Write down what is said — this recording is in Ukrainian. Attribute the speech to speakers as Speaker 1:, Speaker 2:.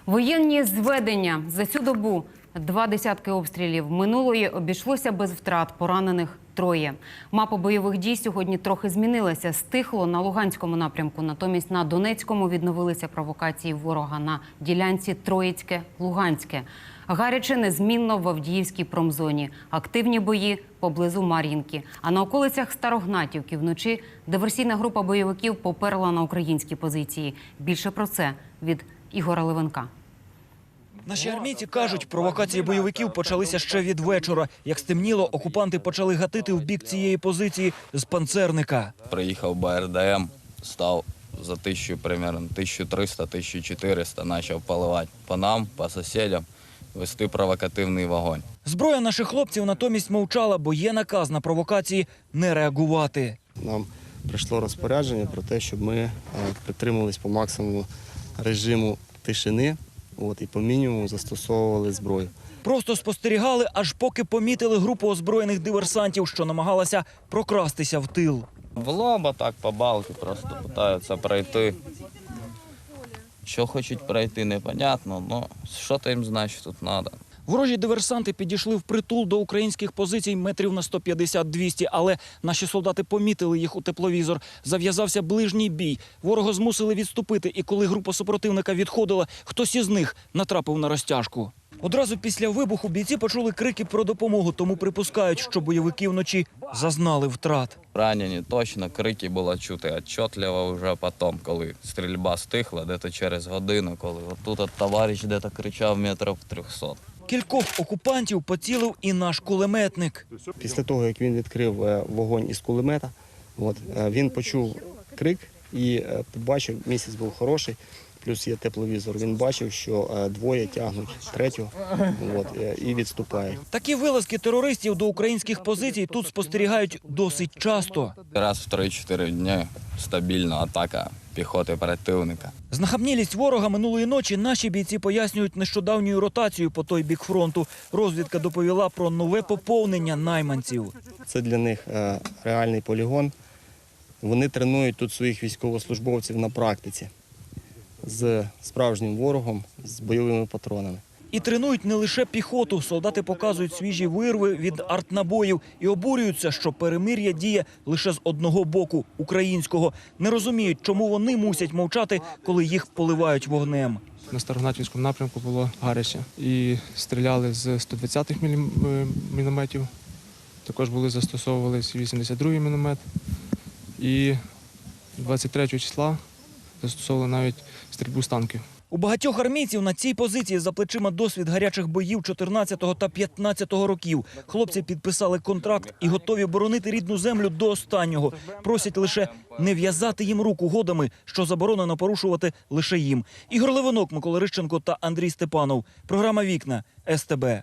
Speaker 1: Воєнні зведення. За цю добу 2 десятки обстрілів. Минулої обійшлося без втрат, поранених 3. Мапа бойових дій сьогодні трохи змінилася. Стихло на Луганському напрямку, натомість на Донецькому відновилися провокації ворога на ділянці Троїцьке-Луганське. Гаряче незмінно в Авдіївській промзоні. Активні бої поблизу Мар'їнки. А на околицях Старогнатівки вночі диверсійна група бойовиків поперла на українські позиції. Більше про це від Ігора Левенка.
Speaker 2: Наші армійці кажуть, провокації бойовиків почалися ще від вечора. Як стемніло, окупанти почали гатити в бік цієї позиції з панцерника.
Speaker 3: Приїхав БРДМ, став за 1000, примерно 1300-1400, почав поливати по нам, по сусідам, вести провокативний вогонь.
Speaker 2: Зброя наших хлопців натомість мовчала, бо є наказ на провокації не реагувати.
Speaker 4: Нам прийшло розпорядження про те, щоб ми притримувались по максимуму режиму тишини і по мінімуму застосовували зброю.
Speaker 2: Просто спостерігали, аж поки помітили групу озброєних диверсантів, що намагалася прокрастися в тил.
Speaker 3: В лоба так по балки просто намагаються пройти. Що хочуть пройти, непонятно, але що то їм значить тут треба.
Speaker 2: Ворожі диверсанти підійшли впритул до українських позицій метрів на 150-200, але наші солдати помітили їх у тепловізор. Зав'язався ближній бій. Ворога змусили відступити, і коли група супротивника відходила, хтось із них натрапив на розтяжку. Одразу після вибуху бійці почули крики про допомогу, тому припускають, що бойовики вночі зазнали втрат.
Speaker 3: Ранені точно, крики було чути отчетливо вже потім, коли стрільба стихла, десь через годину, коли отут товариш десь кричав метрів 300.
Speaker 2: Кількох окупантів поцілив і наш кулеметник.
Speaker 4: Після того, як він відкрив вогонь із кулемета, він почув крик і побачив, місяць був хороший, плюс є тепловізор. Він бачив, що 2 тягнуть 3-го і відступають.
Speaker 2: Такі вилазки терористів до українських позицій тут спостерігають досить часто.
Speaker 3: Раз в 3-4 дні стабільна атака піхоти противника.
Speaker 2: Знахабнілість ворога минулої ночі наші бійці пояснюють нещодавньою ротацією по той бік фронту. Розвідка доповіла про нове поповнення найманців.
Speaker 4: Це для них реальний полігон. Вони тренують тут своїх військовослужбовців на практиці з справжнім ворогом, з бойовими патронами.
Speaker 2: І тренують не лише піхоту. Солдати показують свіжі вирви від артнабоїв і обурюються, що перемир'я діє лише з одного боку – українського. Не розуміють, чому вони мусять мовчати, коли їх поливають вогнем.
Speaker 5: На Старогнатівському напрямку було гаряче. І стріляли з 120-х мінометів. Також застосовувалися 82-й міномет. І 23 числа застосовували навіть стрільбу з танків.
Speaker 2: У багатьох армійців на цій позиції за плечима досвід гарячих боїв 14-го та 15-го років. Хлопці підписали контракт і готові боронити рідну землю до останнього. Просять лише не в'язати їм рук угодами, що заборонено порушувати лише їм. Ігор Левенок, Микола Рищенко та Андрій Степанов. Програма «Вікна» СТБ.